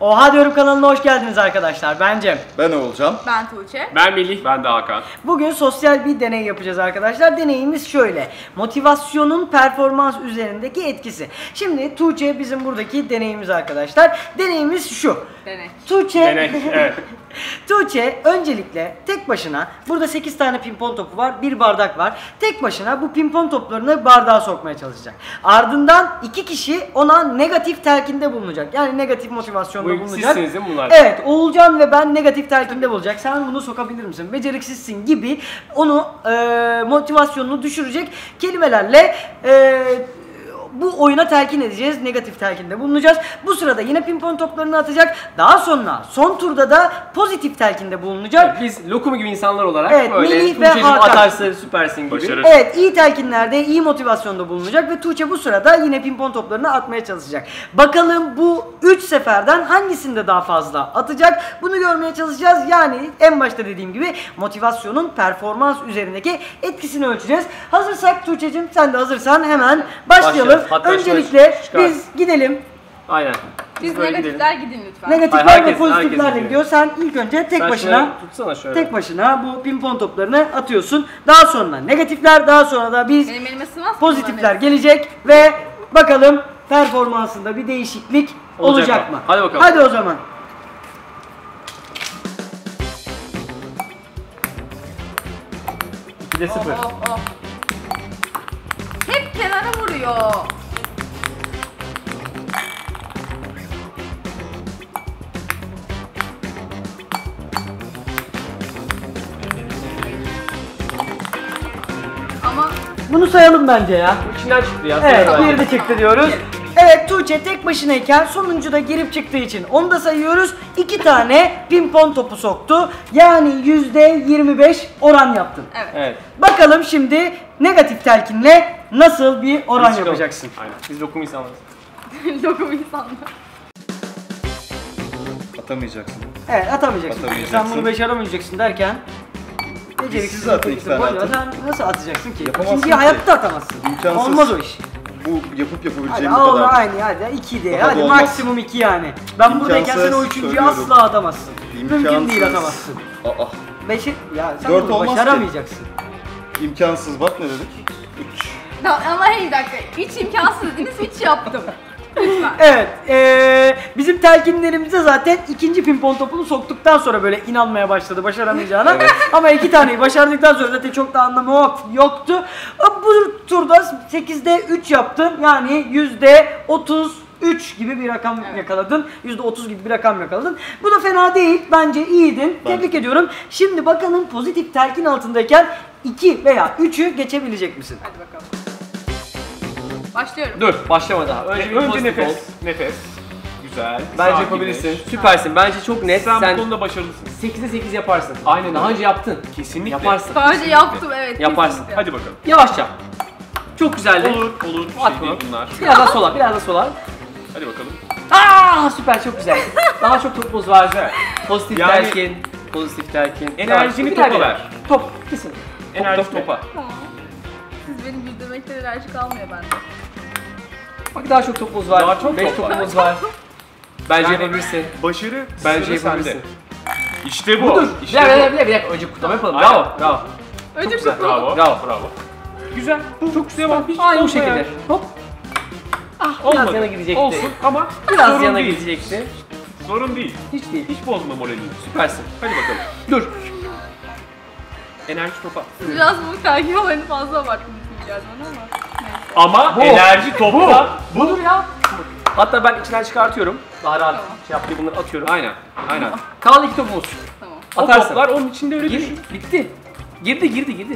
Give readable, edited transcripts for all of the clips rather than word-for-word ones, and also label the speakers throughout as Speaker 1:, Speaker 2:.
Speaker 1: Oha Diyorum kanalına hoş geldiniz arkadaşlar. Ben Cem.
Speaker 2: Ben Oğulcan.
Speaker 3: Ben Tuğçe.
Speaker 4: Ben Melih. Ben de Hakan.
Speaker 1: Bugün sosyal bir deney yapacağız arkadaşlar. Deneyimiz şöyle. Motivasyonun performans üzerindeki etkisi. Şimdi Tuğçe bizim buradaki deneyimiz arkadaşlar. Deneyimiz şu.
Speaker 3: Deney.
Speaker 1: Tuğçe,
Speaker 4: Evet.
Speaker 1: Tuğçe öncelikle tek başına, burada 8 tane pimpon topu var, bir bardak var. Tek başına bu pimpon toplarını bardağa sokmaya çalışacak. Ardından 2 kişi ona negatif telkinde bulunacak. Yani negatif motivasyonda bulunacak.
Speaker 4: Sizsiniz değil mi bunlar?
Speaker 1: Evet, Oğulcan ve ben negatif telkinde bulacak. Sen bunu sokabilir misin? Beceriksizsin gibi onu motivasyonunu düşürecek kelimelerle bu oyuna telkin edeceğiz. Negatif telkinde bulunacağız. Bu sırada yine pimpon toplarını atacak. Daha sonra son turda da pozitif telkinde bulunacak.
Speaker 4: Biz lokum gibi insanlar olarak
Speaker 1: Evet,
Speaker 4: böyle
Speaker 1: Melih ve
Speaker 4: Tuğçe'cim
Speaker 1: Hakan.
Speaker 4: atarsa süpersin gibi.
Speaker 2: Başarır.
Speaker 1: Evet, iyi telkinlerde, iyi motivasyonda bulunacak ve Tuğçe bu sırada yine pimpon toplarını atmaya çalışacak. Bakalım bu 3 seferden hangisinde daha fazla atacak? Bunu görmeye çalışacağız. Yani en başta dediğim gibi motivasyonun performans üzerindeki etkisini ölçeceğiz. Hazırsak Tuğçe'cim, sen de hazırsan hemen başlayalım.
Speaker 4: Hatta
Speaker 1: Öncelikle
Speaker 4: çıkar.
Speaker 1: biz gidelim.
Speaker 4: Aynen.
Speaker 3: Biz
Speaker 4: böyle
Speaker 3: negatifler gidin lütfen.
Speaker 1: Negatifler
Speaker 4: Hayır,
Speaker 1: ve
Speaker 4: herkes
Speaker 1: pozitiflerle
Speaker 4: gidiyor.
Speaker 1: gidiyor. Sen ilk önce tek
Speaker 4: Sen
Speaker 1: başına
Speaker 4: şöyle tutsana şöyle.
Speaker 1: tek başına bu pimpon toplarını atıyorsun. Daha sonra negatifler, daha sonra da biz
Speaker 3: Benim elime sığmaz mı
Speaker 1: pozitifler
Speaker 3: bunların
Speaker 1: gelecek ve bakalım performansında bir değişiklik olacak mı?
Speaker 4: Hadi bakalım.
Speaker 1: Hadi o zaman.
Speaker 4: Bir de
Speaker 3: hepsi?
Speaker 4: 0.
Speaker 3: Oh. Hep kenara vuruyor. Ama
Speaker 1: Bunu sayalım bence ya.
Speaker 4: İçinden çıktı ya.
Speaker 1: Evet,
Speaker 4: Sonra
Speaker 1: bir de çıktı diyoruz. Evet, Tuğçe tek başınayken sonuncu da girip çıktığı için onu da sayıyoruz. 2 tane pimpon topu soktu. Yani %25 oran yaptın.
Speaker 4: Evet.
Speaker 1: Bakalım şimdi negatif telkinle nasıl bir oran
Speaker 4: Biz çıkalım.
Speaker 1: yapacaksın?
Speaker 4: Aynen. Biz lokum insanlarız.
Speaker 3: lokum insanlar.
Speaker 2: Atamayacaksın.
Speaker 1: Evet, atamayacaksın.
Speaker 2: Atamayacaksın.
Speaker 1: Sen bunu başaramayacaksın derken beceriksiz
Speaker 2: Siz zaten
Speaker 1: çocuksun.
Speaker 2: iki tane
Speaker 1: Boş ver,
Speaker 2: atın.
Speaker 1: sen nasıl atacaksın ki?
Speaker 2: Yapamazsın
Speaker 1: İkinciyi
Speaker 2: ki.
Speaker 1: hayatta atamazsın.
Speaker 2: İmkansız.
Speaker 1: Olmaz o iş.
Speaker 2: Bu yapıp
Speaker 1: Hadi
Speaker 2: yapabileceğim
Speaker 1: al
Speaker 2: kadar.
Speaker 1: aynı hadi 2 de.
Speaker 2: Daha da
Speaker 1: Hadi
Speaker 2: olmaz.
Speaker 1: maksimum 2 yani. Ben buradayken sen o
Speaker 2: İmkansız,
Speaker 1: üçüncüyü
Speaker 2: söylüyorum.
Speaker 1: asla atamazsın. Mümkün
Speaker 2: İmkansız.
Speaker 1: değil atamazsın.
Speaker 2: Aa,
Speaker 1: Beşi ya sen
Speaker 2: Dört
Speaker 1: bunu
Speaker 2: olmaz ki.
Speaker 1: başaramayacaksın.
Speaker 2: imkansız bak ne dedik? 3.
Speaker 3: Ama hey bir dakika. Hiç imkansız dediniz, hiç yaptım. Lütfen.
Speaker 1: Evet, bizim telkinlerimize zaten ikinci pimpon topunu soktuktan sonra böyle inanmaya başladı başaramayacağına. Ama 2 taneyi başardıktan sonra zaten çok da anlamı yoktu. Bu turda 8'de 3 yaptın. Yani %33 gibi bir rakam yakaladın. %30 gibi bir rakam yakaladın. Bu da fena değil. Bence iyiydin. Tebrik ediyorum. Şimdi bakalım pozitif telkin altındayken 2 veya 3'ü geçebilecek misin?
Speaker 3: Hadi bakalım. Başlıyorum.
Speaker 4: Dur, başlama daha. Önce
Speaker 5: Önce
Speaker 4: nefes.
Speaker 5: nefes. Nefes. Güzel.
Speaker 4: Bence
Speaker 5: Sakinleş.
Speaker 4: yapabilirsin. Süpersin. Bence çok net.
Speaker 5: Sen bu konuda başarılısın.
Speaker 4: 8'de 8 yaparsın.
Speaker 5: Aynen
Speaker 4: Daha
Speaker 5: öyle.
Speaker 4: önce yaptın.
Speaker 5: Kesinlikle.
Speaker 4: Yaparsın.
Speaker 3: Daha önce yaptım, evet.
Speaker 4: Yaparsın.
Speaker 3: kesinlikle.
Speaker 5: Hadi bakalım.
Speaker 4: Yavaşça. Çok güzeldi.
Speaker 5: Olur. Bir şey
Speaker 4: Atma.
Speaker 5: değil bunlar.
Speaker 4: Biraz daha sola, biraz daha sola.
Speaker 5: Hadi bakalım.
Speaker 4: Aa, süper, çok güzel. Daha çok topumuz var. Pozitif
Speaker 5: Yani-
Speaker 4: telkin. Pozitif telkin.
Speaker 5: Enerjini
Speaker 4: Birer
Speaker 5: topa
Speaker 4: birer.
Speaker 5: ver.
Speaker 4: Top, kesin.
Speaker 5: Enerji
Speaker 4: top.
Speaker 5: topa.
Speaker 3: Tamam. Siz benim güldürmekten enerji kalmıyor bende.
Speaker 4: Bak daha çok topumuz var.
Speaker 5: Daha çok
Speaker 4: 5
Speaker 5: top var.
Speaker 4: topumuz var. Bence
Speaker 5: Yani-
Speaker 4: yapabilirsin.
Speaker 5: Başarı
Speaker 4: Bence
Speaker 5: sıra sende.
Speaker 4: yapabilirsin.
Speaker 5: İşte bu.
Speaker 4: Budur.
Speaker 5: İşte
Speaker 4: Bir dakika. Önce kutlama yapalım.
Speaker 5: Aynen.
Speaker 4: Bravo, bravo.
Speaker 3: Önce
Speaker 4: güzel.
Speaker 3: kutlu.
Speaker 5: Bravo.
Speaker 4: Bravo.
Speaker 5: Güzel. Çok güzel bak. Hiç
Speaker 4: Aynı bu
Speaker 5: bozma
Speaker 4: şekilde.
Speaker 5: yani.
Speaker 4: Hop. Ah, biraz
Speaker 5: Olmadı.
Speaker 4: yana gidecekti.
Speaker 5: Olsun ama
Speaker 4: Biraz
Speaker 5: sorun
Speaker 4: yana
Speaker 5: değil.
Speaker 4: gidecekti.
Speaker 5: Sorun değil.
Speaker 4: Hiç değil.
Speaker 5: Hiç bozma moralini.
Speaker 4: Süpersin.
Speaker 5: Hadi bakalım.
Speaker 4: Dur.
Speaker 5: Enerji topa.
Speaker 3: Biraz bu takip olayını fazla abarttınız gibi geldi bana ama. Neyse.
Speaker 5: Ama enerji topla.
Speaker 4: Budur ya. Hatta ben içinden çıkartıyorum. Daha rahat
Speaker 3: Tamam.
Speaker 4: şey yaptı, bunları atıyorum.
Speaker 5: Aynen.
Speaker 4: Kaldı 2 topumuz.
Speaker 3: Tamam.
Speaker 5: O
Speaker 4: Atarsın.
Speaker 5: toplar onun içinde öyle
Speaker 4: Gir,
Speaker 5: düşün.
Speaker 4: bitti. Girdi.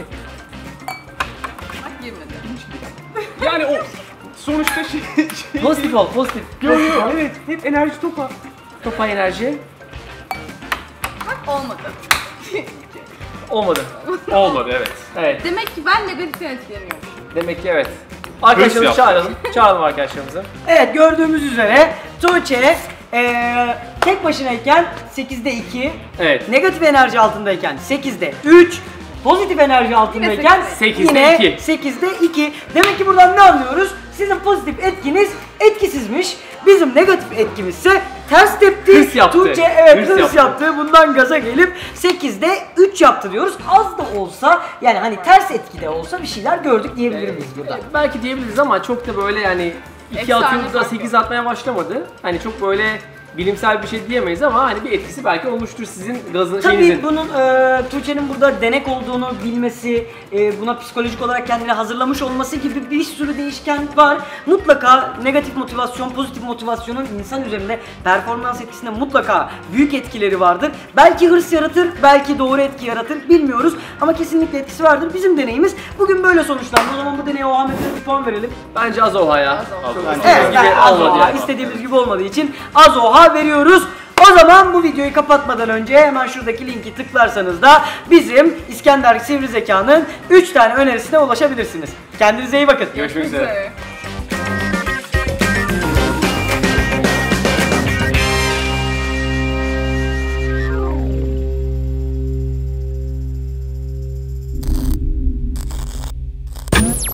Speaker 3: Bak girmedi.
Speaker 5: Yani o sonuçta şey
Speaker 4: Pozitif ol, pozitif.
Speaker 5: Yo, evet. Hep enerji topa.
Speaker 4: Topa enerji.
Speaker 3: Bak olmadı.
Speaker 4: Olmadı.
Speaker 5: Olmadı evet.
Speaker 4: Evet.
Speaker 3: Demek ki ben negatiften etkileniyorum.
Speaker 4: Demek ki evet. Arkadaşlarımızı
Speaker 5: yaptı.
Speaker 4: çağıralım. Çağıralım arkadaşlarımızı.
Speaker 1: Evet, gördüğümüz üzere Tuğçe tek başınayken 8'de 2,
Speaker 4: Evet.
Speaker 1: negatif enerji altındayken 8'de 3, pozitif enerji altındayken
Speaker 4: sekizde
Speaker 1: yine
Speaker 4: iki.
Speaker 1: 8'de 2. Demek ki buradan ne anlıyoruz? Sizin pozitif etkiniz etkisizmiş. Bizim negatif etkimizse ters tepti.
Speaker 5: Hırs yaptı.
Speaker 1: Tuğçe evet
Speaker 5: Hırs
Speaker 1: hırs yaptı. Bundan gaza gelip 8'de 3 yaptı diyoruz. Az da olsa yani hani ters etkide olsa bir şeyler gördük diyebilir miyiz burada?
Speaker 4: Belki diyebiliriz ama çok da böyle yani 2
Speaker 3: Efsane
Speaker 4: atıyordu da
Speaker 3: fark
Speaker 4: 8
Speaker 3: yok.
Speaker 4: atmaya başlamadı. Hani çok böyle bilimsel bir şey diyemeyiz ama hani bir etkisi belki olmuştur sizin gazın
Speaker 1: Tabii
Speaker 4: şeyinizin.
Speaker 1: bunun Tuğçe'nin burada denek olduğunu bilmesi, buna psikolojik olarak kendini hazırlamış olması gibi bir sürü değişken var. Mutlaka negatif motivasyon, pozitif motivasyonun insan üzerinde performans etkisinde mutlaka büyük etkileri vardır. Belki hırs yaratır, belki doğru etki yaratır bilmiyoruz ama kesinlikle etkisi vardır. Bizim deneyimiz bugün böyle sonuçlandı. O zaman bu deneye o Ahmet'e bir puan verelim.
Speaker 4: Bence az oha ya.
Speaker 3: Az
Speaker 2: Bence
Speaker 1: Evet,
Speaker 4: gibi
Speaker 1: az
Speaker 4: olmadı
Speaker 1: oha.
Speaker 4: yani.
Speaker 1: İstediğimiz gibi olmadığı için az oha veriyoruz. O zaman bu videoyu kapatmadan önce hemen şuradaki linki tıklarsanız da bizim İskender Sivri Zeka'nın 3 tane önerisine ulaşabilirsiniz. Kendinize iyi bakın.
Speaker 5: Görüşmek üzere.
Speaker 3: üzere.